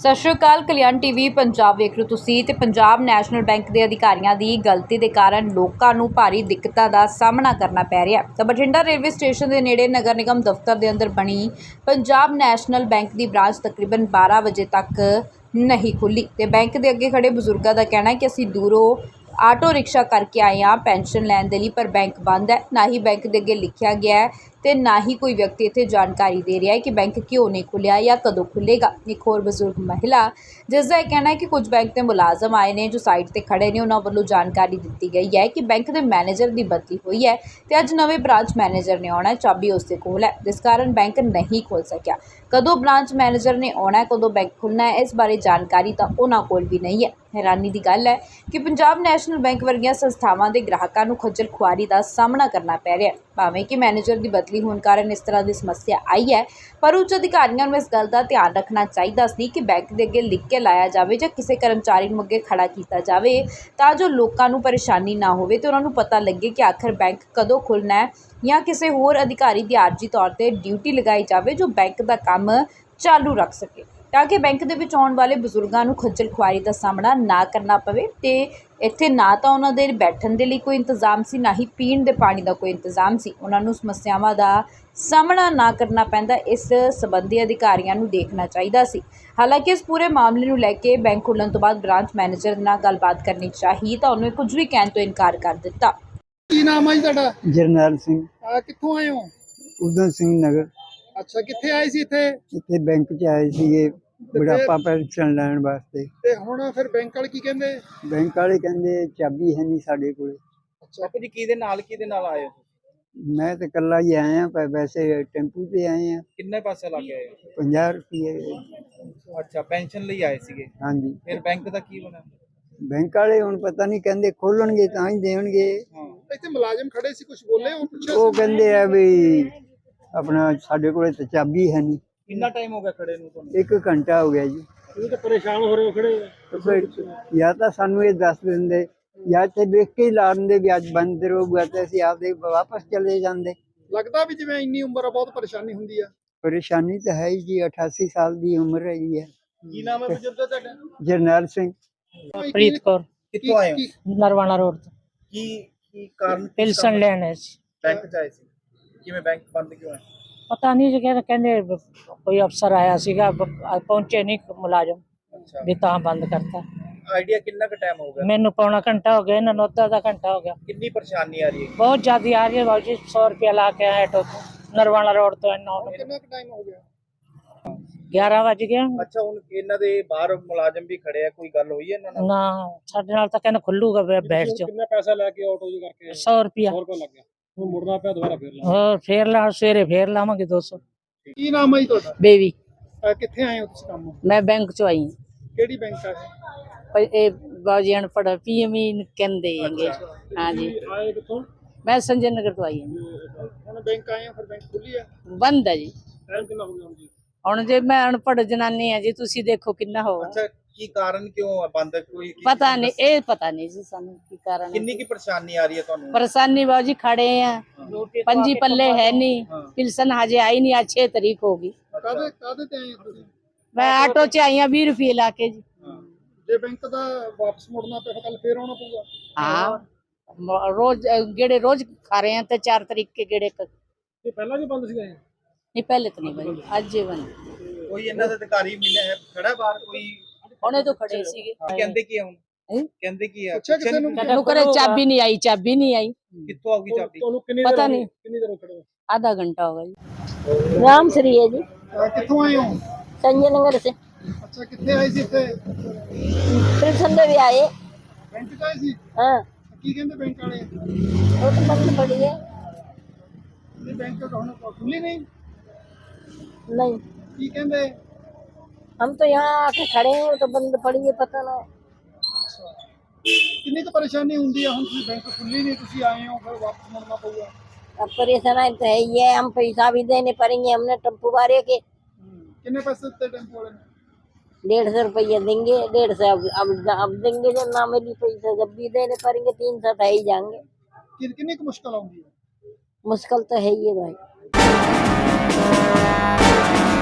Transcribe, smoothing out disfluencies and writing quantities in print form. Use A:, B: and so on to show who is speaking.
A: ਸਤਿ ਸ਼੍ਰੀ ਅਕਾਲ। ਕਲਿਆਣ ਟੀਵੀ ਪੰਜਾਬ ਵੇਖ ਰਹੇ ਹੋ ਤੁਸੀਂ ਤੇ ਪੰਜਾਬ ਨੈਸ਼ਨਲ ਬੈਂਕ ਦੇ ਅਧਿਕਾਰੀਆਂ ਦੀ ਗਲਤੀ ਦੇ ਕਾਰਨ ਲੋਕਾਂ ਨੂੰ ਭਾਰੀ ਦਿੱਕਤਾਂ ਦਾ ਸਾਹਮਣਾ ਕਰਨਾ ਪੈ ਰਿਹਾ ਹੈ। ਤਾਂ ਬਠਿੰਡਾ ਰੇਲਵੇ ਸਟੇਸ਼ਨ ਦੇ ਨੇੜੇ ਨਗਰ ਨਿਗਮ ਦਫ਼ਤਰ ਦੇ ਅੰਦਰ ਬਣੀ ਪੰਜਾਬ ਨੈਸ਼ਨਲ ਬੈਂਕ ਦੀ ਬ੍ਰਾਂਚ ਤਕਰੀਬਨ 12 ਵਜੇ ਤੱਕ ਨਹੀਂ ਖੁੱਲੀ ਤੇ ਬੈਂਕ ਦੇ ਅੱਗੇ ਖੜੇ ਬਜ਼ੁਰਗਾਂ ਦਾ ਕਹਿਣਾ ਹੈ ਕਿ ਅਸੀਂ ਦੂਰੋਂ ਆਟੋ ਰਿਕਸ਼ਾ करके आए हाँ पेंशन लैन दे लई, पर बैंक बंद है। ना ही बैंक के अगे लिखा गया है तो ना ही कोई व्यक्ति इत्थे जानकारी दे रहा है कि बैंक क्यों नहीं खुलिया या कदों खुलेगा। एक होर बजुर्ग महिला जिसका यह कहना है कि कुछ बैंक के मुलाजम आए ने जो साइड ते खड़े ने, उन्होंने वालों जानकारी दी गई है कि बैंक के मैनेजर की बदली हुई है तो अज नवे ब्रांच मैनेजर ने आना है, चाबी उसके कोल है, जिस कारण बैंक नहीं खुल सकिया। कदों ब्रांच मैनेजर ने आना है, कदों बैंक खुलना है, इस बारे जानकारी तो उन्होंने कोल भी नहीं है। हैरानी की गल है कि पंजाब नैशनल बैंक वर्गियां संस्थावां दे ग्राहकां नूं खज्जल खुआरी का सामना करना पै रहा है। भावें कि मैनेजर की बदली होने कारण इस तरह की समस्या आई है, पर उच्च अधिकारियों को इस गल का ध्यान रखना चाहिए सी कि बैंक के अगे लिख के लाया जाए या किसी कर्मचारी नूं अगे खड़ा किया जाए तां जो लोगों नूं परेशानी ना होवे ते उन्हां नूं पता लगे कि आखिर बैंक कदों खुलना है, या किसी होर अधिकारी की आरजी तौर पर ड्यूटी लगाई जाए जो बैंक का काम चालू रख सके, ताकि बैंक दे विच आउण वाले बजुर्गों को खज्जल खुआरी का सामना ना करना पवे। ते इत्थे ना तो उन्होंने बैठण दे लई कोई इंतजाम सी, ना ही पीण दे पानी का कोई इंतजाम सी, उन्होंने समस्यावां का सामना ना करना पैंदा। इस संबंधी अधिकारियों को देखना चाहिए सी। हालांकि इस पूरे मामले को लैके बैंक खुलण तो बाद ब्रांच मैनेजर नाल गलबात करनी चाहिए तो उन्होंने कुछ भी कहण तो इनकार कर दिता।
B: की नाम है जी तुहाडा?
C: जरनैल सिंह,
B: कित्थों आए हो?
C: उधम सिंह नगर।
B: अच्छा, कित्थे आए सी इत्थे?
C: इत्थे बैंक च आए सीगे बुढ़ापा पेंशन लैण वास्ते।
B: ते हुण फिर बैंक वाले की कहंदे?
C: बैंक वाले कहंदे चाबी है नहीं साडे कोल।
B: अच्छा, बापू जी किहदे नाल आए हो?
C: मैं तो कल्ला ही आया, पर वैसे टेंपू ते आए हैं।
B: किन्ने पैसे लग गए?
C: 50 रुपये।
B: अच्छा, पेंशन ਲਈ ਆਏ ਸੀਗੇ।
C: हाँ जी।
B: ਫਿਰ ਬੈਂਕ ਦਾ ਕੀ ਬਣਾ?
C: बैंक वाले हुण पता नहीं कहंदे खोलणगे तां ही देणगे।
B: ਹਾਂ, ਇੱਥੇ ਮੁਲਾਜ਼ਮ ਖੜੇ ਸੀ, ਕੁਝ ਬੋਲੇ ਉਹ ਪੁੱਛਿਆ?
C: वो कहंदे आ भी अपना साडे कोल ते चाबी है नहीं।
B: ਕਿੰਨਾ ਟਾਈਮ ਹੋ ਗਿਆ ਖੜੇ ਨੂੰ ਤੁਹਾਨੂੰ?
C: 1 घंटा हो गया जी।
B: ਤੁਸੀਂ ਤਾਂ ਪਰੇਸ਼ਾਨ ਹੋ ਰਹੇ ਹੋ ਖੜੇ।
C: तो फिर या तो सानू ये दस दिंदे या इत्थे देख के ही ला दिंदे भी अज बंद रहूगा ते ਅਸੀਂ आपदे वापस चले जांदे।
B: ਲੱਗਦਾ ਵੀ ਜਿਵੇਂ ਇੰਨੀ ਉਮਰ ਆ ਬਹੁਤ ਪਰੇਸ਼ਾਨੀ ਹੁੰਦੀ ਆ।
C: परेशानी तो है ही जी, 88 साल की उम्र है जी।
B: ਕੀ ਨਾਮ ਹੈ ਬਜ਼ੁਰਗ ਦਾ ਤੁਹਾਡਾ?
C: जरनैल सिंह।
D: ਪ੍ਰੀਤ ਕੌਰ,
B: ਕਿੱਥੋਂ ਆਏ ਹੋ?
D: ਨਰਵਾਣਾ ਰੋਡ ਤੋਂ
B: ਕੀ ਕਾਰਨ?
D: ਪਿਲਸਨ ਲੈਣ ਆਏ ਸੀ।
B: ਬੈਂਕ ਚ ਆਏ ਸੀ, ਕਿਵੇਂ ਬੈਂਕ ਬੰਦ ਕਿਉਂ ਹੈ?
D: ਪਤਾ ਨਹੀਂ ਜੀ, ਕਹਿੰਦੇ ਕੋਈ ਅਫਸਰ ਆਇਆ ਸੀਗਾ, ਪਹੁੰਚੇ ਨਹੀਂ ਮੁਲਾਜ਼ਮ,
B: ਅੱਛਾ,
D: ਵੀ ਤਾਂ ਬੰਦ ਕਰਤਾ।
B: ਆਈਡੀਆ ਕਿੰਨਾ ਕੁ ਟਾਈਮ ਹੋ ਗਿਆ?
D: ਮੈਨੂੰ ਪੌਣਾ ਘੰਟਾ ਹੋ ਗਿਆ, ਇਹਨਾਂ ਨੂੰ ਅੱਧਾ ਘੰਟਾ ਹੋ ਗਿਆ।
B: ਕਿੰਨੀ ਪਰੇਸ਼ਾਨੀ ਆ ਰਹੀ ਹੈ?
D: ਬਹੁਤ ਜ਼ਿਆਦਾ ਆ ਰਹੀ ਹੈ ਬਾਬੂ ਜੀ। 100 ਰੁਪਇਆ ਲਾ ਕੇ ਆਇਆ ਆਟੋ ਤੋਂ, ਨਰਵਾਣਾ ਰੋਡ ਤੋਂ।
B: ਕਿੰਨਾ ਕੁ ਟਾਈਮ ਹੋ ਗਿਆ?
D: 11 ਵਜ ਗਿਆ।
B: ਅੱਛਾ, ਹੁਣ ਇਹਨਾਂ ਦੇ ਬਾਹਰ ਮੁਲਾਜ਼ਮ ਵੀ ਖੜੇ ਆ, ਕੋਈ ਗੱਲ ਹੋਈ ਹੈ ਇਹਨਾਂ ਨਾਲ?
D: ਨਾ, ਸਾਡੇ ਨਾਲ ਤਾਂ ਕਹਿੰਦੇ ਖੁੱਲੂਗਾ, ਬੈਠ ਜਾਓ।
B: ਕਿੰਨਾ ਪੈਸਾ ਲੈ ਕੇ ਆਟੋ ਜੀ ਕਰਕੇ?
D: 100 ਰੁਪਇਆ।
B: 100 ਰੁਪਏ ਲੱਗ ਗਿਆ, ਹੁਣ ਮੁੜਨਾ ਪਿਆ ਦੁਬਾਰਾ ਫੇਰ ਲਾ।
D: ਹੋਰ ਫੇਰ ਲਾ, ਸਵੇਰੇ ਫੇਰ ਲਾਵਾਂਗੇ 200।
B: ਕੀ ਨਾਮ ਹੈ ਜੀ ਤੁਹਾਡਾ?
D: ਬੇਬੀ।
B: ਕਿੱਥੇ ਆਏ ਹੋ ਤੁਸੀਂ ਕੰਮ?
D: ਮੈਂ ਬੈਂਕ ਚੋਂ ਆਈ ਹਾਂ।
B: ਕਿਹੜੀ ਬੈਂਕ ਆ ਇਹ?
D: ਇਹ ਬਾਜੀ ਅਨਪੜ੍ਹ ਪੀਐਮਈ ਕਹਿੰਦੇ ਹੈਗੇ। हाँ जी,
B: ਆਏ ਕਿੱਥੋਂ?
D: मैं संजय नगर तो आई हूँ।
B: ਹੁਣ ਬੈਂਕ ਆਏ ਹੋ, ਫਿਰ ਬੈਂਕ ਖੁੱਲੀ ਆ?
D: बंद है जी।
B: ਟਾਈਮ ਕਿੰਨਾ ਹੋ ਗਿਆ ਹੁਣ ਜੀ?
D: ਹੁਣ ਜੇ ਮੈਂ ਅਨਪੜ੍ਹ ਜਨਾਨੀ ਹੈ ਜੀ, ਤੁਸੀਂ ਦੇਖੋ ਕਿੰਨਾ ਹੋਗਾ।
B: ਅੱਛਾ, ਕੀ ਕਾਰਨ ਕਿਉਂ ਆ ਬੰਦ? ਕੋਈ
D: ਪਤਾ ਨਹੀਂ, ਇਹ ਪਤਾ ਨਹੀਂ ਜੀ ਸਾਨੂੰ ਕੀ ਕਾਰਨ ਹੈ।
B: ਕਿੰਨੀ ਕੀ ਪਰੇਸ਼ਾਨੀ ਆ ਰਹੀ ਹੈ ਤੁਹਾਨੂੰ?
D: परेशानी बाबू जी खड़े हैं, पंजी पल्ले है नहीं, पिलसन हजे आई नहीं, आज 6 तारीख होगी।
B: ਕਾਦੇ ਤੇ ਆਏ ਹੋ ਤੁਸੀਂ?
D: मैं ऑटो च आई हूँ 20 रुपये ला के जी।
B: ਜੇ ਬੈਂਕ ਦਾ ਵਾਪਸ ਮੁੜਨਾ ਪਿਆ ਕੱਲ ਫੇਰ ਆਉਣਾ ਪਊਗਾ?
D: हाँ, रोज गेड़े रोज खा रहे हैं, तो 4 तारीख के गेड़े
B: ਇਹ ਪਹਿਲਾਂ ਵੀ ਬੰਦ ਸੀਗਾ ਇਹ?
D: नहीं, पहले तो नहीं बनी, आज ही बनी।
B: ਕੋਈ ਇਹਨਾਂ ਦਾ ਅਧਿਕਾਰੀ ਮਿਲਿਆ ਹੈ ਖੜਾ ਬਾਹਰ? ਕੋਈ
D: ਹੁਣੇ तो खड़े ਸੀਗੇ।
B: ਕਹਿੰਦੇ ਕੀ ਆ ਹੁਣ?
D: हैं?
B: ਕਹਿੰਦੇ ਕੀ ਆ? ਕਿਸੇ ਨੂੰ
D: करे चाबी नहीं आई, चाबी नहीं आई।
B: ਕਿੱਥੋਂ ਆਊਗੀ ਚਾਬੀ? ਤੁਹਾਨੂੰ
D: पता नहीं,
B: ਕਿੰਨੀ ਦੇਰ ਹੋ ਖੜੇ ਹੋ?
D: आधा घंटा होगा जी।
E: राम श्री है जी,
B: ਕਿੱਥੋਂ ਆਏ ਹੋ?
E: संजय नगर से।
B: ਅੱਛਾ, ਕਿੱਥੇ ਆਏ ਸੀ ਇੱਥੇ?
E: कृष्ण भी आए।
B: ਬੈਂਕ ਚ ਆਏ ਸੀ?
E: हाँ,
B: ਕੀ ਕਹਿੰਦੇ ਬੈਂਕ ਵਾਲੇ?
E: वो तो बंद पड़ी है।
B: ਇਹ ਬੈਂਕ ਹੁਣ ਖੁੱਲੀ ਨਹੀਂ?
E: नहीं,
B: ਕੀ ਕਹਿੰਦੇ?
E: हम तो यहाँ आके खड़े हैं, वो तो बंद पड़ी है, पता ना।
B: ਕਿੰਨੀ ਕੁ ਪਰੇਸ਼ਾਨੀ ਹੁੰਦੀ ਆ? ਹੁਣ ਤੁਸੀਂ ਬੈਂਕ ਖੁੱਲੀ ਨਹੀਂ, ਤੁਸੀਂ ਆਏ ਹੋ, ਫਿਰ ਵਾਪਸ ਮੁੜਨਾ ਪਊਗਾ।
E: अब परेशानी तो है ही है, हम पैसा भी देने पड़ेंगे। हमने टेम्पो वाले के
B: ਕਿੰਨੇ ਪੈਸੇ ਦਿੱਤੇ ਟੈਂਪੋ ਵਾਲੇ ਨੇ?
E: 150 रुपये देंगे, 150 अब देंगे जब ना मिली पैसा, जब भी देने पड़ेंगे 300 तो है ही जाएंगे।
B: ਕਿੰਨੀ ਕੁ ਮੁਸ਼ਕਲ ਆਉਂਦੀ ਹੈ?
E: मुश्किल तो है ही है भाई।